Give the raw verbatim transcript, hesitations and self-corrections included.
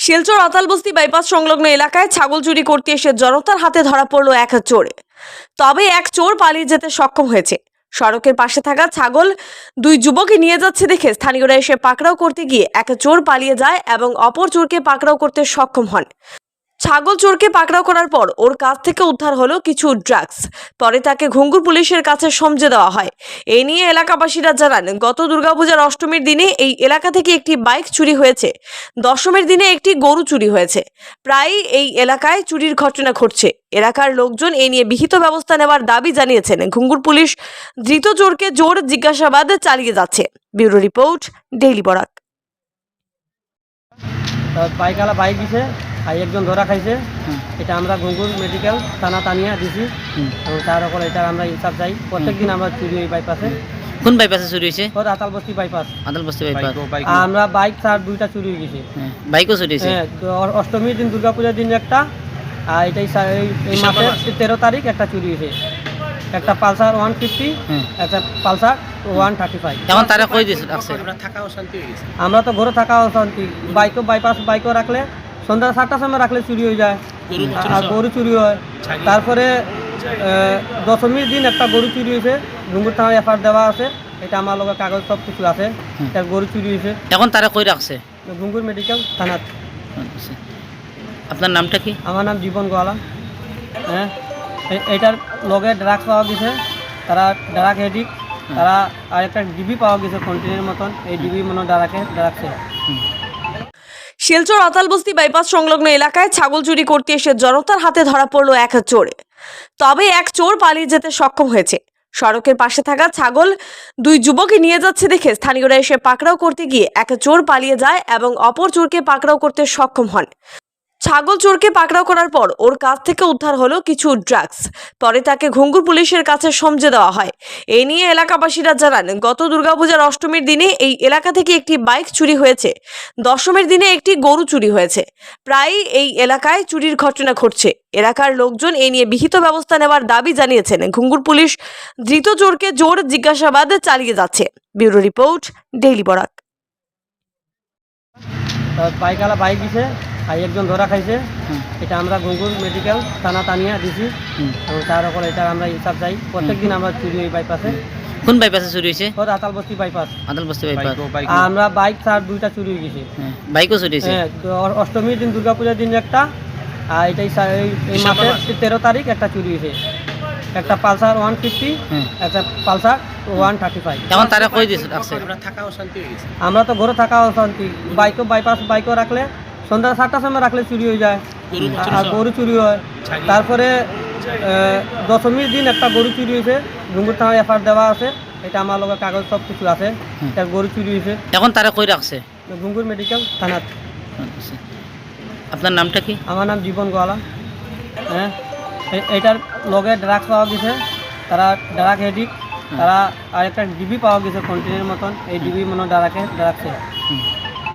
Silchar আতালবস্তি bypass সংলগ্ন এলাকায় ছাগল চুরি করতে এসে জনতার হাতে ধরা পড়ল এক চোরে। তবে এক চোর পালিয়ে যেতে সক্ষম হয়েছে। সড়কের পাশে থাকা ছাগল দুই যুবকই নিয়ে যাচ্ছে দেখে স্থানীয়রা এসে পাকড়াও করতে গিয়ে এক চোর পালিয়ে যায় এবং অপর চোরকে পাকড়াও করতে সক্ষম হন। ছাগল চোরকে পাকড়াও করার পর ওর কাছ থেকে উদ্ধার হলো কিছু ড্রাগস। পরে তাকে ঘুঙ্গুর পুলিশের কাছে সমঝে দেওয়া হয়। এই নিয়ে এলাকাবাসীরা জানান, গত দুর্গাপূজার অষ্টমীর দিনে এই এলাকা থেকে একটি বাইক চুরি হয়েছে। দশমীর দিনে একটি গরু চুরি হয়েছে। প্রায়ই এই এলাকায় চুরির ঘটনা ঘটছে। এলাকার লোকজন এ নিয়ে বিহিত ব্যবস্থা নেওয়ার দাবি জানিয়েছেন। ঘুঙ্গুর পুলিশ ধৃত চোরকে জোর জিজ্ঞাসাবাদ চালিয়ে যাচ্ছে। Bureau report, daily Barak. বাইকওয়ালা বাইক দিছে আর একজন ধরা খাইছে। এটা আমরা ঘুঙ্গুর মেডিকেল থানা তানিয়া দিছি এবং তার উপর এটা আমরা হিসাব চাই। প্রত্যেকদিন আমরা চুরি ওই বাইপাসে। কোন বাইপাসে চুরি হয়েছে? ওর আতালবস্তি বাইপাস। আতালবস্তি বাইপাস। আমরা বাইক তার দুইটা চুরি হয়ে গেছে। বাইকও চুরি হয়েছে। হ্যাঁ, অষ্টমীর দিন দুর্গাপূজার দিন একটা, আর এটাই এই মাসের তেরো তারিখ একটা চুরি হয়েছে। একটা পালসার ওয়ান ফিফটি, একটা পালসার ওয়ান থার্টি ফাইভ। এখন তারা কই দিয়েছে রাখছে? আমরা তো ঘরে থাকা অশান্তি। বাইকও বাইপাস বাইকও রাখলে সন্ধ্যা সাতটার সময় রাখলে চুরি হয়ে যায় আর গরু চুরি হয়। তারপরে দশমীর দিন একটা গরু চুরি হয়েছে। ঘুঙ্গুর থানায় এফআইআর দেওয়া আছে। এটা আমার লোকের কাগজ সব কিছু আছে। এটা গরু চুরি হয়েছে। এখন তারা কই রাখছে? ঘুঙ্গুর মেডিকেল থানাত। আপনার নামটা কি? আমার নাম জীবন গোয়ালা। হ্যাঁ, এটার লগে ড্রাগস পাওয়া গেছে। তারা ড্রাগ হেডিক, তারা আর একটা ডিবি পাওয়া গেছে কন্টিনের মতন। এই ডিবি মনে ড্রাগে ড্রাগসে। শিলচর আতালবস্তি বাইপাস সংলগ্ন এলাকায় ছাগল চুরি করতে এসে জনতার হাতে ধরা পড়ল এক চোরে। তবে এক চোর পালিয়ে যেতে সক্ষম হয়েছে। সড়কের পাশে থাকা ছাগল দুই যুবকই নিয়ে যাচ্ছে দেখে স্থানীয়রা এসে পাকড়াও করতে গিয়ে এক চোর পালিয়ে যায় এবং অপর চোরকে পাকড়াও করতে সক্ষম হন। ছাগল চোরকে পাকড়াও করার পর ওর কাছ থেকে উদ্ধার হলো কিছু ড্রাগস। পরে তাকে ঘুঙ্গুর পুলিশের কাছে সমঝে দেওয়া হয়। এই নিয়ে এলাকাবাসীরা জানান, গত দুর্গাপূজার অষ্টমীর দিনে এই এলাকা থেকে একটি বাইক চুরি হয়েছে। দশমীর দিনে একটি গরু চুরি হয়েছে। প্রায়ই এই এলাকায় চুরির ঘটনা ঘটছে। এলাকার লোকজন এ নিয়ে বিহিত ব্যবস্থা নেওয়ার দাবি জানিয়েছেন। ঘুঙ্গুর পুলিশ ধৃত চোরকে জোর জিজ্ঞাসাবাদ চালিয়ে যাচ্ছে। Bureau report, daily Barak. বাইকওয়ালা বাইক দিছে আর একজন ধরা খাইছে। এটা আমরা ঘুঙ্গুর মেডিকেল থানা তানিয়া দিছি এবং তার উপর এটা আমরা হিসাব চাই। প্রত্যেকদিন আমরা চুরি ওই বাইপাসে। কোন বাইপাসে চুরি হয়েছে? ওর আতালবস্তি বাইপাস। আতালবস্তি বাইপাস। আমরা বাইক তার দুইটা চুরি হয়ে গেছে। বাইকও চুরি হয়েছে। হ্যাঁ, অষ্টমীর দিন দুর্গাপূজার দিন একটা, আর এটাই এই মাসের তেরো তারিখ একটা চুরি হয়েছে। একটা পালসার ওয়ান ফিফটি, একটা পালসার ওয়ান থার্টি ফাইভ। এখন তারা কই দিয়েছে রাখছে? আমরা তো ঘরে থাকা অশান্তি। বাইকও বাইপাস বাইকও রাখলে সন্ধ্যা সাতটার সময় রাখলে চুরি হয়ে যায় আর গরু চুরি হয়। তারপরে দশমীর দিন একটা গরু চুরি হয়েছে। ঘুঙ্গুর থানায় এফআইআর দেওয়া আছে। এটা আমার লোকের কাগজ সব কিছু আছে। এটা গরু চুরি হয়েছে। এখন তারা কই রাখছে? ঘুঙ্গুর মেডিকেল থানাত। আপনার নামটা কি? আমার নাম জীবন গোয়ালা। হ্যাঁ, এটার লগে ড্রাগস পাওয়া গেছে। তারা ড্রাগ হেডিক, তারা আর একটা ডিবি পাওয়া গেছে কন্টিনের মতন। এই ডিবি মনে ড্রাগে ড্রাগসে।